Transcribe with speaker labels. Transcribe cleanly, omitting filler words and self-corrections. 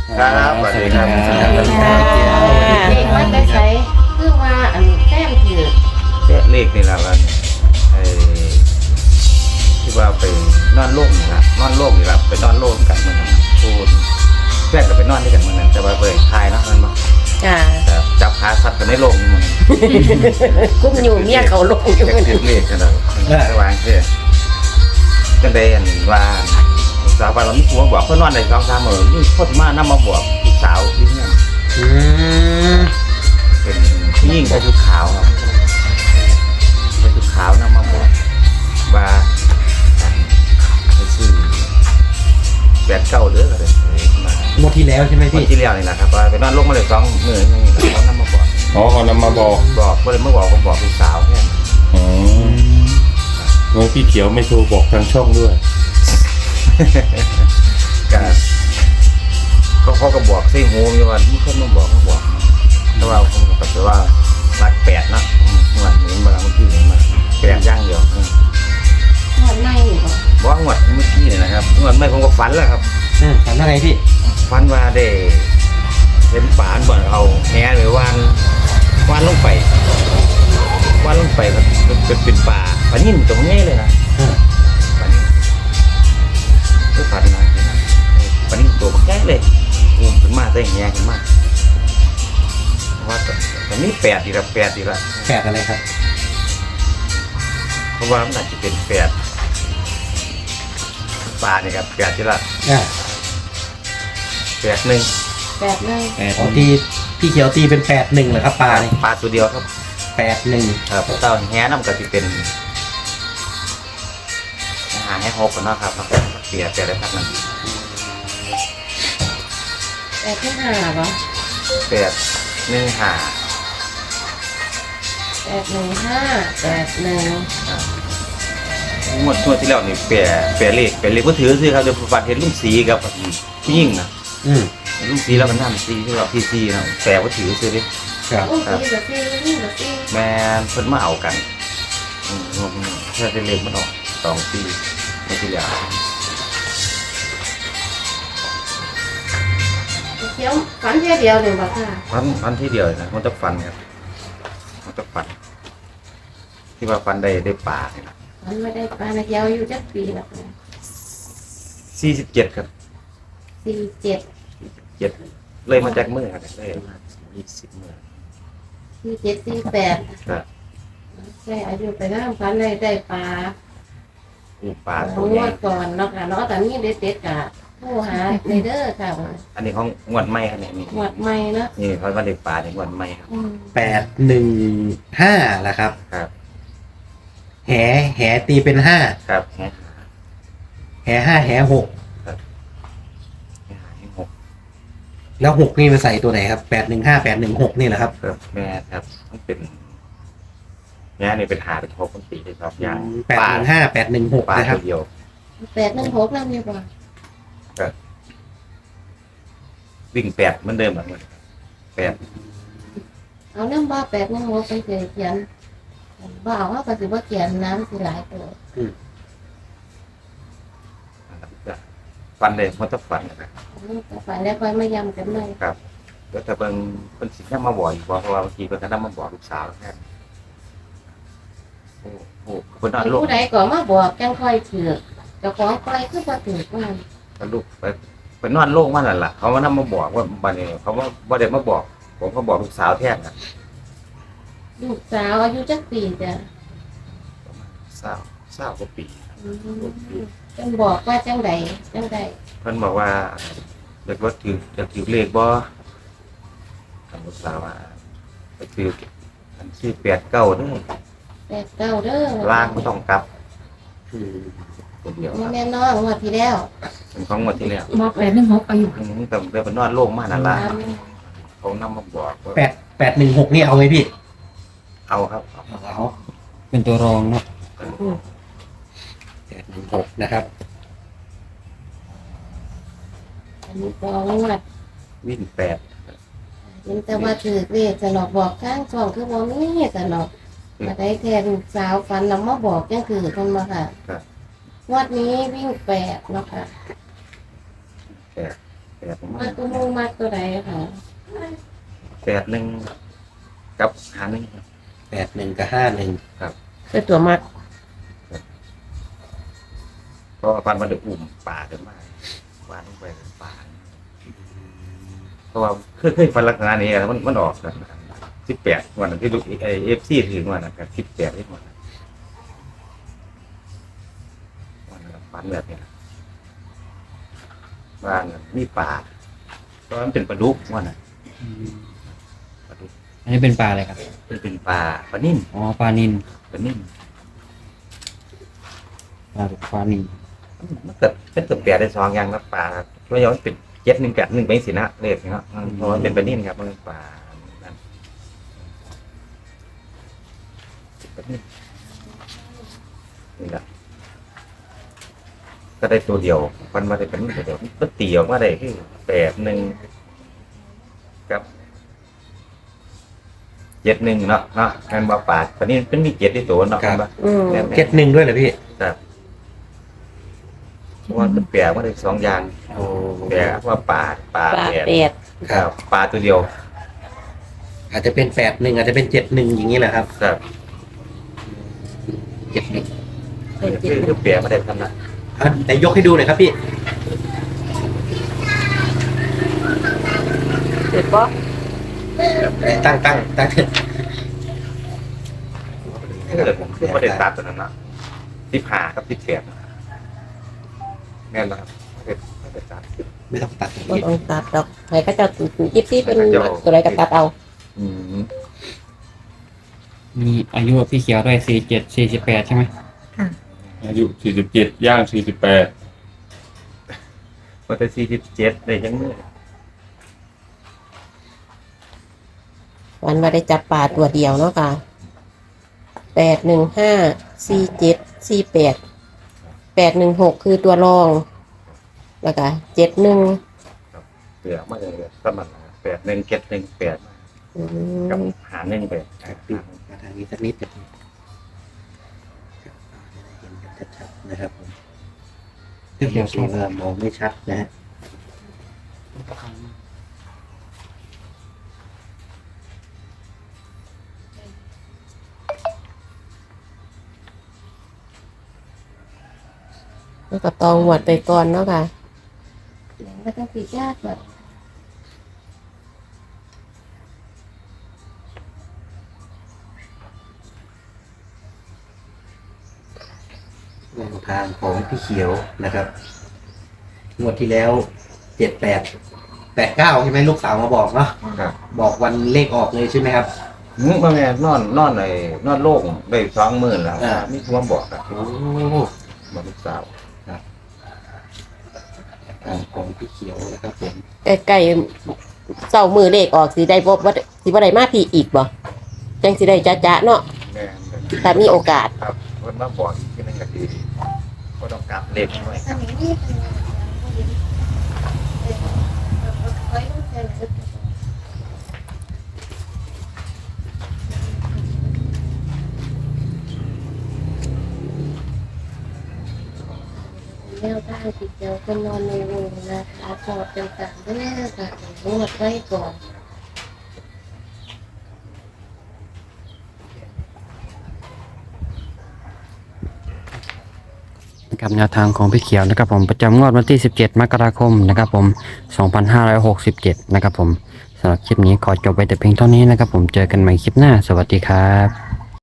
Speaker 1: ครับสวัสดีครับ
Speaker 2: เด็กมันไปใช้คือว่าอันแต้มถือ
Speaker 1: เลขนี่แหละวันที่ว่าไปนอนโล่งนี่ละนอนโล่งนี่ละไปนอนโล่งกันเหมือนกันพูดแรกก็ไปนอนด้วยกันเหมือนกันแต่ว่าไปทายเนาะมันมา
Speaker 2: จ้า
Speaker 1: แต่จับขาสัตว์กันในโล่งมัน
Speaker 2: กุ้มอยู่เมียเขาลงอยู่
Speaker 1: เลขเลขกันแล้วระวังเพื่อจังได้อันว่าสาวไปเราไม่ควรบอกเพื่อนนอนในกองสามนี่โคตรมากน้ำมาบอกลูกสาวที่นี่เป็นผู้หญิงใส่ชุดขาวครับใส่ชุดขาวน้ำมาบอกว่าไปซื้อ89เด้อก็เลยมาง
Speaker 3: วดที่แล้วใช่ไหม
Speaker 1: วัน
Speaker 3: พี่
Speaker 1: ที่แล้วนี่แหละครับว่าไปนอนลงมาเลย2 มื้อนี่เขาน้ำมาบอก
Speaker 4: อ๋อเขานำมาบอก
Speaker 1: ก็เลยเมื่อบอกผมบอกลูกสาวแค่นั้น
Speaker 4: อ๋องั้นพี่เขียวไม่โทรบอกทางช่องด้วย
Speaker 1: ก็เขาก็บอกใส่หูมีว่ามีคนมาบอกเขาบอกแต่ว่าผมก็แบบว่ารัก8นะเหมือนเห็นมาเมื่อกี้เห็นมา8ย่างเดียว
Speaker 2: หอดในอยู่บ่
Speaker 1: บอกว่างวดเมื่อกี้เนี่ยนะครับงวดไม่ผมก็ฝันแล้วครับ
Speaker 3: ทำอะไรพี่
Speaker 1: ฝันว่าได้เห็นป่านบ่อนเอาแหหรือวานลงไปครับเป็นป่าปลานิ่มตรงนี้เลยนะปลานิ่มก็ฝันนะปลานิ่มตัวมันแก่เลยขึ้นมาได้แหขึ้นมาว่าแต่นี่8อีกละ8อีกละ
Speaker 3: แปดอะไรครับ
Speaker 1: เพราะว่ามันอาจจะเป็น8ปลานี่ครับ8อีกละ
Speaker 3: อ่า
Speaker 1: 8 1
Speaker 2: แบบนึง
Speaker 3: อ๋อที่พี่เขียวตีเป็น81เหรอครับปลานี่
Speaker 1: ปลาตัวเดียวครับ
Speaker 3: 81
Speaker 1: ครับเต้าแหน้ำก็จะเป็นอาหารให้6กันเนาะครับเปลี่ยนได้พักนึง
Speaker 2: แบบที่ห้าบ่
Speaker 1: 8 1 5
Speaker 2: 815 81
Speaker 1: งวดที่แล้วนี่เปลี่ยนเลขก็ถือซื้อครับเดี๋ยวฟันเห็นลุงสีกับผู้หญิงนะ
Speaker 3: อืม
Speaker 1: ลุงสีแล้วมันทำสีที่เราซีนะแต่ก็ถือซื้อดิ
Speaker 3: ครับ
Speaker 2: อุ้ยสีกับสีนี่กับสี
Speaker 1: แม่เพิ่นมาเอากันแค่ได้เลขมันออก2 ปีไม่ที่แล้ว
Speaker 2: เขียวฝันแค่เดียวเลยบ่ค่ะ
Speaker 1: ฟันที่เดียวนะมันจะฟันครับมันจะฟันที่ว่าฟันได้ป่าเนี่ยนะ
Speaker 2: ฝันไม่ได้ปลาเขียวอยู่จักปีแล้วค่ะ
Speaker 1: 47ครับ
Speaker 2: 47
Speaker 1: 7เลยมาจากมือครับเลยมา20 มื้อ
Speaker 2: 47 48
Speaker 1: ครับ
Speaker 2: ใช่อายุไปน้ำฝันได้ปลา
Speaker 1: ป่า
Speaker 2: ข
Speaker 1: ตั
Speaker 2: อ
Speaker 1: ว
Speaker 2: ง
Speaker 1: ให
Speaker 2: ง
Speaker 1: ญ่
Speaker 2: วดก่อนเนาะค่ะเนาะแต่นี่เด็ดๆกะโทรหาในเด้อค่ะ
Speaker 1: อันนี้ของงวดใหม่ครับเนี่ยนี่
Speaker 2: หวดใหม่เนาะ
Speaker 1: นี่เขาว่าได้ป่าในงวดใหม่ครับ
Speaker 3: 815แหละครับ
Speaker 1: ครับ
Speaker 3: แหตีเป็น5
Speaker 1: ครับ
Speaker 3: แห5แห6
Speaker 1: 6
Speaker 3: แล้ว6นี่มาใส่ตัวไหนครับ815 816นี่แหละครับ
Speaker 1: ครับแม่ครับมันเป็นแม่นี่เป็นหาเป็น6คนตีเลยครับอย่าง
Speaker 3: 815 816
Speaker 1: ป่า
Speaker 3: นะครับ
Speaker 1: ตัวเดียว
Speaker 2: 816แล้วเนี่ยบ่
Speaker 1: วิ่ง8เหมือนเดิมแบบนี้8
Speaker 2: เอาน้ำบ่816ไปเขียนบ่เอาว่าก็สิบ่เขียนน้ำสิหลายตัว
Speaker 1: ฟันเลยมันต้องฟันนะครับ
Speaker 2: ฝันแล้วค่อยมาย้ำกันใหม่
Speaker 1: ครับแล้วแต่เป็นสิ่งที่มาบอกอีกเพราะว่าบางทีเป็นการมาบอกลูกสาวแค่โอ้โหคนนั้นลูก
Speaker 2: ผู้ใดก็มาบอกจังค่อยถือเจ้าของปล่อยคือบ่ถือว่า
Speaker 1: ลูกไปนอนโล่งมันนั่นแหละเขามานั่งมาบอกว่าบันนี้เขาว่าบ่ได้มาบอก ผมก็บอกลูกสาวแทนนะ
Speaker 2: ลูกสาวอายุจักปีจ้ะ
Speaker 1: เศร้ากว่าปี
Speaker 2: จังบอกว่าจังใด
Speaker 1: เพิ่นบอกว่าเด็กว่าจะถือเลขบ่ทางลูกสาวว่าไปถืออันชื่อ89เด้อ
Speaker 2: 89เด้อ
Speaker 1: ล่างไม่ต้องกลับคนเดียว
Speaker 2: นี่แม่น้องงวดที่แล้ว
Speaker 1: เป็นของงวดที่แล้ว
Speaker 5: ม816อายุ
Speaker 1: แต่เดี๋ยวไปนอนโล่งมากนั่นล่ะเขานำมาบอกว่า
Speaker 3: 816นี่เอาไหมพี่
Speaker 1: เอาครับ
Speaker 3: เอาเป็นตัวรองเนาะ816นะครับ
Speaker 2: อันนี้ก็งวด
Speaker 1: วิ่ง8
Speaker 2: เห็นแต่ว่าถือเลขสนอกบอกข้างช่องคือบ่มีสนอกมาได้แค่ลูกสาวฝันแล้วมาบอกจังคือคนมาค่ะ
Speaker 1: ครับ
Speaker 2: งวดนี้วิ่ง8เนาะค่ะ
Speaker 1: 8 แปด
Speaker 2: มาตัวมูมาตัวใดค่ะ
Speaker 1: 81กับ51ครับ
Speaker 3: 81กับ51
Speaker 2: คือตัวมัก
Speaker 1: เพราะว่าฟันมันได้อุ้มป่าขึ้นมาว่าลงไปเป็นป่าเพราะว่าเคยฟันลักษณะนี้แล้วมันออกกัน18วันนั้นที่ลูกFC ถึงวันนั้นก็18ที่วันนั้นฟันแบบนี้ว่ามีป่าเพราะมันเป็นปลาดุกว่าน่ะปลาดุก
Speaker 5: อันนี้เป็นปลาอะไรครับ
Speaker 1: เป็นปลานิ่ม
Speaker 5: อ๋อปลานิล
Speaker 1: ปลานิ่ม
Speaker 5: ปลานิล
Speaker 1: มันเกิดแปลได้สองอย่างนะปลาช่วยย้อนเป็น7181ไปสินะเลขเนาะเพราะมันเป็นปลานิ่มครับมันเป็นปลานั่นปลานิ่มนี่แหละก็ได้ตัวเดียวมันมาได้เป็นตัวเดียวมันตีออกมาได้คือ81กับ71เนาะงานบ่ปลาปลานิ่มเป็นมี7ที่ตัวเนาะ
Speaker 2: อืม
Speaker 3: 71ด้วยเหรอพี่
Speaker 1: ครับเพราะว่ามันแปลว่าได้สองอย่าง
Speaker 3: โอ้
Speaker 1: แปลว่าปลา
Speaker 2: ปลา
Speaker 1: แปด
Speaker 2: เป็ด
Speaker 3: ครับ
Speaker 1: ปลาตัวเดียว
Speaker 3: อาจจะเป็น81อาจจะเป็น71อย่างนี้แหละครับ
Speaker 1: ครับ
Speaker 3: 71
Speaker 1: คือแปลมาได้ทำนะ
Speaker 3: ไหนยกให้ดูหน่อยครับพี่
Speaker 2: เป็ดปะ
Speaker 3: ตั้ง
Speaker 1: ถ้าเกิดผมคือไม่ได้ตัดตัวนั้นนะ15กับ18แม่นแล้วครับไม่ได้ตัด
Speaker 3: ไม่ต้องตัด
Speaker 2: บ่ต้องตัดดอกใครก็จะยิบซี่เป็นมักตัวใดก็ตัดเอา
Speaker 1: อืม
Speaker 5: มีอายุพี่เขียวด้วย47 48ใช่ไหม
Speaker 4: อายุ47ย่าง48
Speaker 1: มันจะ47ได้ยังมือ
Speaker 2: วันว่าได้จับปลาตัวเดียวเนาะค่ะ8154748คือตัวรองแล้วก็71
Speaker 1: เปลือกมาเลยประมาณ81
Speaker 2: อื
Speaker 1: กับ
Speaker 2: ม
Speaker 1: หาหนึ่งไป
Speaker 3: มาทางนี้สักนิดเดียวครับเห็นกันชัดๆนะครับผมพี่เขียวสีเริ่มมองไม่ชัดนะฮะ
Speaker 2: แล้วก็ตองหวดไปก่อนเนาะค่ะไม่ต้องปิดยากแบบ
Speaker 3: แนวทางของพี่เขียวนะครับงวดที่แล้ว78 89ใช่ไหมลูกสาวมาบอกเนาะ
Speaker 1: ครับ
Speaker 3: บอกวันเลขออกเลยใช่ไหมครับ
Speaker 1: มาแม่นอนในนอนโล่งได้20,000แล้วมีความบอกครับ
Speaker 3: โอ้
Speaker 1: บอกลูกสาว
Speaker 3: ทางของพี่เขียวนะครับผม
Speaker 2: ใกล้ๆเสามือเลขออกสิได้บ่สิบ่ได้มาพี่อีกบ่จังสิได้จ๊ะๆเนาะ
Speaker 1: แม่น
Speaker 2: ถ้ามีโอกาส
Speaker 1: ครับเพิ่นมาบอกอีกทีนึงก็ดีก็ต้องกลับเล็กหน่อยครับ
Speaker 2: แนวทางติดเดียวคนนอนในโรงนะคะชอบต่างๆเด้อค่ะนวดไว้ก่อน
Speaker 5: นะครับแนวทางของพี่เขียวนะครับผมประจำงวดวันที่17 มกราคมนะครับผม2567นะครับผมสำหรับคลิปนี้ขอจบไปแต่เพียงเท่านี้นะครับผมเจอกันใหม่คลิปหน้าสวัสดีครับ